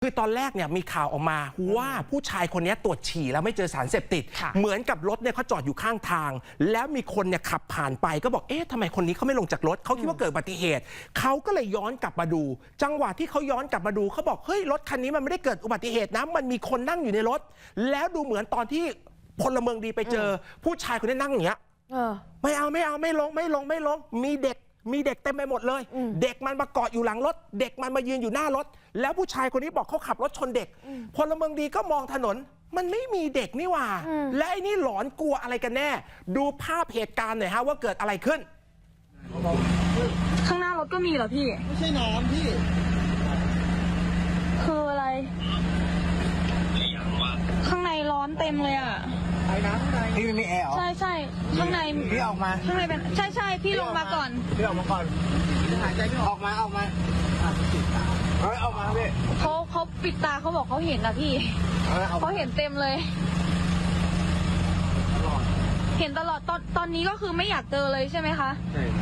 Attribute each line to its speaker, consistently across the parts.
Speaker 1: คือตอนแรกเนี่ยมีข่าวออกมาว่าผู้ชายคนนี้ตรวจฉี่แล้วไม่เจอสารเสพติดเหมือนกับรถเนี่ยเขาจอดอยู่ข้างทางแล้วมีคนเนี่ยขับผ่านไปก็บอกเอ๊ะทำไมคนนี้เขาไม่ลงจากรถเขาคิดว่าเกิดอุบัติเหตุเขาก็เลยย้อนกลับมาดูจังหวะที่เขาย้อนกลับมาดูเขาบอกเฮ้ยรถคันนี้มันไม่ได้เกิดอุบัติเหตุนะมันมีคนนั่งอยู่ในรถแล้วดูเหมือนตอนที่พลเมืองดีไปเจอผู้ชายคนนี้นั่งอย่างเงี้ยไม่ลงมีเด็กเต็มไปหมดเลยเด็กมันมาเกาะอยู่หลังรถเด็กมันมายืนอยู่หน้ารถแล้วผู้ชายคนนี้บอกเขาขับรถชนเด็กพลเมืองดีก็มองถนนมันไม่มีเด็กนี่หว่าและไอ้นี่หลอนกลัวอะไรกันแน่ดูภาพเหตุการณ์หน่อยฮะว่าเกิดอะไรขึ้น
Speaker 2: ข้างหน้ารถก็มีเหรอพี่
Speaker 3: ไม่ใช่น้ำพี่
Speaker 2: คืออะไรข้างในร้อนเต็มเลยอ่ะ
Speaker 3: ไอ้น้ำข้างในพี่ไม่มีแอร์เหรอ
Speaker 2: ใช่ข้างใน
Speaker 3: พี่ออกมา
Speaker 2: ข้างในเป็นใช่พี่ลงมาก่อน
Speaker 3: พี่ออกมาก่อนหายใจไม่ออกมาออกมาพี่
Speaker 2: เขาปิดตาเขาบอกเขาเห็นนะพี่เขาเห็นเต็มเลยเห็นตลอดตอนนี้ก็คือไม่อยากเจอเลยใช่ไหมคะ
Speaker 3: ใช่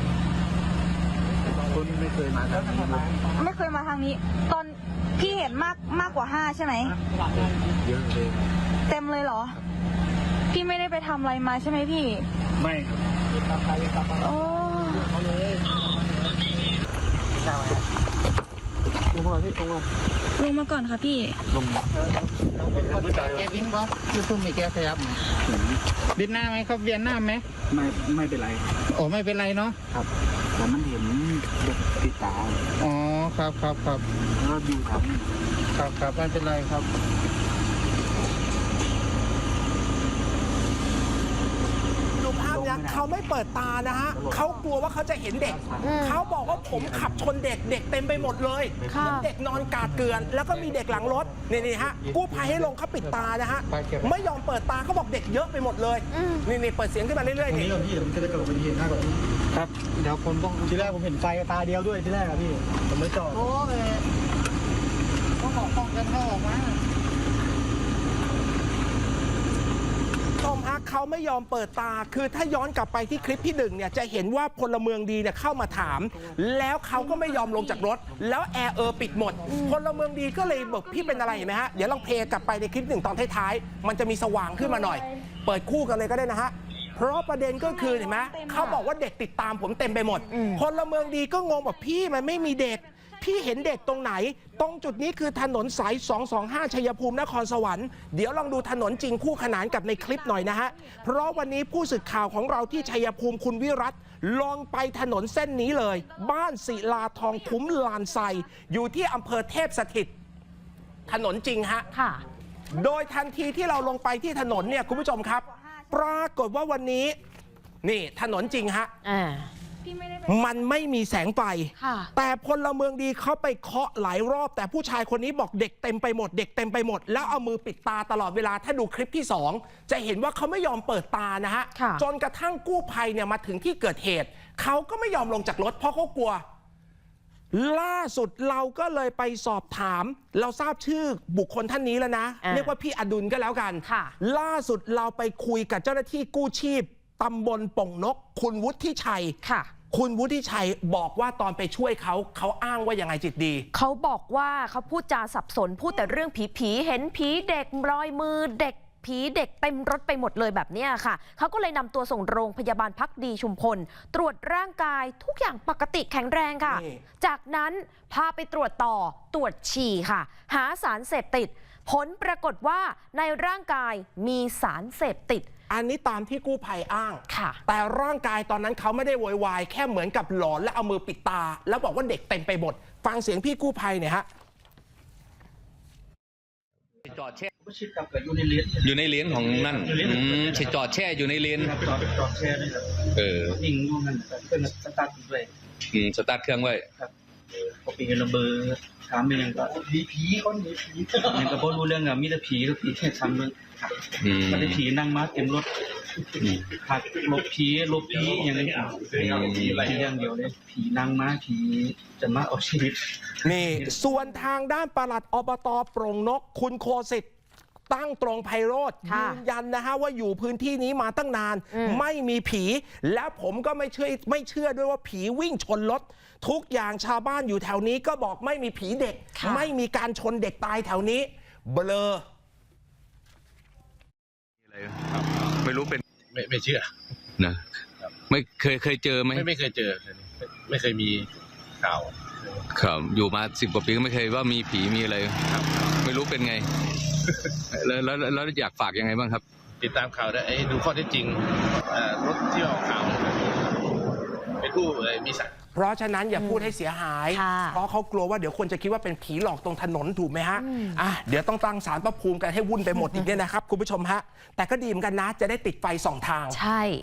Speaker 3: คุณไม่เคยมาทางนี้
Speaker 2: ไม่เคยมาทางนี้ตอนพี่เห็นมากกว่า5ใช่ไหม
Speaker 3: เยอะเลย
Speaker 2: เต็มเลยเหรอพี่ไม่ได้ไปทำอะไรมาใช่ไหมพี่
Speaker 3: ไม่ครับ
Speaker 2: โอ้ลงมาก่อนค่ะพี่
Speaker 3: ลงแกบินบ๊อบยูทูบมีแกขยับไหมบินหน้าไหมครับเวียนหน้าไหมไม่เป็นไรโอ้ไม่เป็นไรเนาะครับแต่มันเห็นเด็กติดตาอ๋อครับแล้วดูครับไม่เป็นไรครับ
Speaker 1: ดูภาพนี้เขาไม่เปิดตานะฮะเขากลัวว่าเขาจะเห็นเด็กเขาบอกว่าผมขับชนเด็กเต็มไปหมดเลยเด็กนอนกาดเกลื่อนแล้วก็มีเด็กหลังรถนี่ฮะกู้ภัยให้ลงเขาปิดตานะฮะไม่ยอมเปิดตาเขาบอกเด็กเยอะไปหมดเลยนี่เปิดเสียงขึ้นมาเรื่อยๆ
Speaker 3: นี่พี่ผมจะได้กระโดดไปทีหน้าก่อนครับเดี๋ยวคนต้องทีแรกผมเห็นไฟตาเดียวด้วยทีแรกครับพี่ผมไม่จอดโอ้ยต้องออกป้องกันเข้าออกมา
Speaker 1: เขาไม่ยอมเปิดตาคือถ้าย้อนกลับไปที่คลิปที่1เนี่ยจะเห็นว่าพลเมืองดีเนี่ยเข้ามาถามแล้วเขาก็ไม่ยอมลงจากรถแล้วแอร์ปิดหมดพลเมืองดีก็เลยบอกพี่เป็นอะไรเห็นไหมฮะเดี๋ยวลองเพลย์กลับไปในคลิป1ตอนท้ายๆมันจะมีสว่างขึ้นมาหน่อยเปิดคู่กันเลยก็ได้นะฮะเพราะประเด็นก็คือเห็นไหมเขาบอกว่าเด็กติดตามผมเต็มไปหมดพลเมืองดีก็งงบอกพี่มันไม่มีเด็กพี่เห็นเด็กตรงไหนตรงจุดนี้คือถนนสาย225ชัยภูมินครสวรรค์เดี๋ยวลองดูถนนจริงคู่ขนานกับในคลิปหน่อยนะฮะเพราะวันนี้ผู้สื่อข่าวของเราที่ชัยภูมิคุณวิรัตลองไปถนนเส้นนี้เลยบ้านศิลาทองคุ้มลานไซอยู่ที่อำเภอเทพสถิตถนนจริงฮะโดยทันทีที่เราลงไปที่ถนนเนี่ยคุณผู้ชมครับปรากฏว่าวันนี้นี่ถนนจริงฮะมันไม่มีแสงไฟแต่พลเมืองดีเขาไปเคาะหลายรอบแต่ผู้ชายคนนี้บอกเด็กเต็มไปหมดแล้วเอามือปิดตาตลอดเวลาถ้าดูคลิปที่2จะเห็นว่าเขาไม่ยอมเปิดตานะฮะจนกระทั่งกู้ภัยเนี่ยมาถึงที่เกิดเหตุเขาก็ไม่ยอมลงจากรถเพราะเขากลัวล่าสุดเราก็เลยไปสอบถามเราทราบชื่อบุคคลท่านนี้แล้วนะเรียกว่าพี่อดุลก็แล้วกันล่าสุดเราไปคุยกับเจ้าหน้าที่กู้ชีพตำบลป่งนกคุณวุฒิชัยคุณวุฒิชัยบอกว่าตอนไปช่วยเขาอ้างว่ายังไงจิตดี
Speaker 4: เขาบอกว่าเขาพูดจาสับสนพูดแต่เรื่องผีเห็นผีเด็กรอยมือเด็กผีเด็กเต็มรถไปหมดเลยแบบนี้ค่ะเขาก็เลยนำตัวส่งโรงพยาบาลภักดีชุมพลตรวจร่างกายทุกอย่างปกติแข็งแรงค่ะจากนั้นพาไปตรวจต่อตรวจฉี่ค่ะหาสารเสพติดผลปรากฏว่าในร่างกายมีสารเสพติด
Speaker 1: อันนี้ตามที่กู้ภัยอ้างแต่ร่างกายตอนนั้นเขาไม่ได้โวยวายแค่เหมือนกับหลอนและเอามือปิดตาแล้วบอกว่าเด็กเต็มไปหมดฟังเสียงพี่กู้ภัยเนี่ยฮะ
Speaker 5: จอดแช่อยู่ในเลนของนั่นฉีดจอดแช่อยู่ในเลน
Speaker 3: จอดแช่นี่ยิงนู่นนั่นเป็นสตาร์ทด้วย
Speaker 5: สตาร์ทเครื่องไว้
Speaker 3: ครับพอปีระเบิดถามเป็นยังก็ผีคนนี้ผียังก็บ่รู้เรื่องอะมีแต่ผีก็ผีแค่ชั้นนึงมันได้ผีนั่งมาเต็มรถหักลบผีอย่างนี้อย่างเดียวเลยผีนั่งมาผีจะมาเอาชีวิต
Speaker 1: นี่ส่วนทางด้านปลัดอบต.โปร่งนกคุณโคสิทธิ์ตั้งตรงไพโรธ
Speaker 4: ค่ะ
Speaker 1: ยืนยันนะฮะว่าอยู่พื้นที่นี้มาตั้งนาน ไม่มีผี แล้วผมก็ไม่เชื่อด้วยว่าผีวิ่งชนรถทุกอย่างชาวบ้านอยู่แถวนี้ก็บอกไม่มีผีเด็ก
Speaker 4: ค่ะ
Speaker 1: ไม่มีการชนเด็กตายแถวนี้เบลอ
Speaker 5: ไม่รู้เป็น
Speaker 6: ไม่เชื่อ
Speaker 5: นะไม่เคยเจอไหม
Speaker 6: ไม่เคยเจอไม่เคยมีข่าว
Speaker 5: ครับอยู่มา10 กว่าปีก็ไม่เคยว่ามีผีมีอะไรไม่รู้เป็นไง แล้วอยากฝากยังไงบ้างครับ
Speaker 6: ติดตามข่าวได้ดูข้อเท็จจริงรถที่ออกข่าวเป็นผู้มีศักดิ์
Speaker 1: เพราะฉะนั้นอย่าพูดให้เสียหาย
Speaker 4: ค่ะ
Speaker 1: เพราะเขากลัวว่าเดี๋ยวคนจะคิดว่าเป็นผีหลอกตรงถนนถูกไหมฮะเดี๋ยวต้องตั้งศาลพระภูมิกันให้วุ่นไปหมดอีกเนี่ยนะครับคุณผู้ชมฮะแต่ก็ดีเหมือนกันนะจะได้ติดไฟสองทาง
Speaker 4: ใช่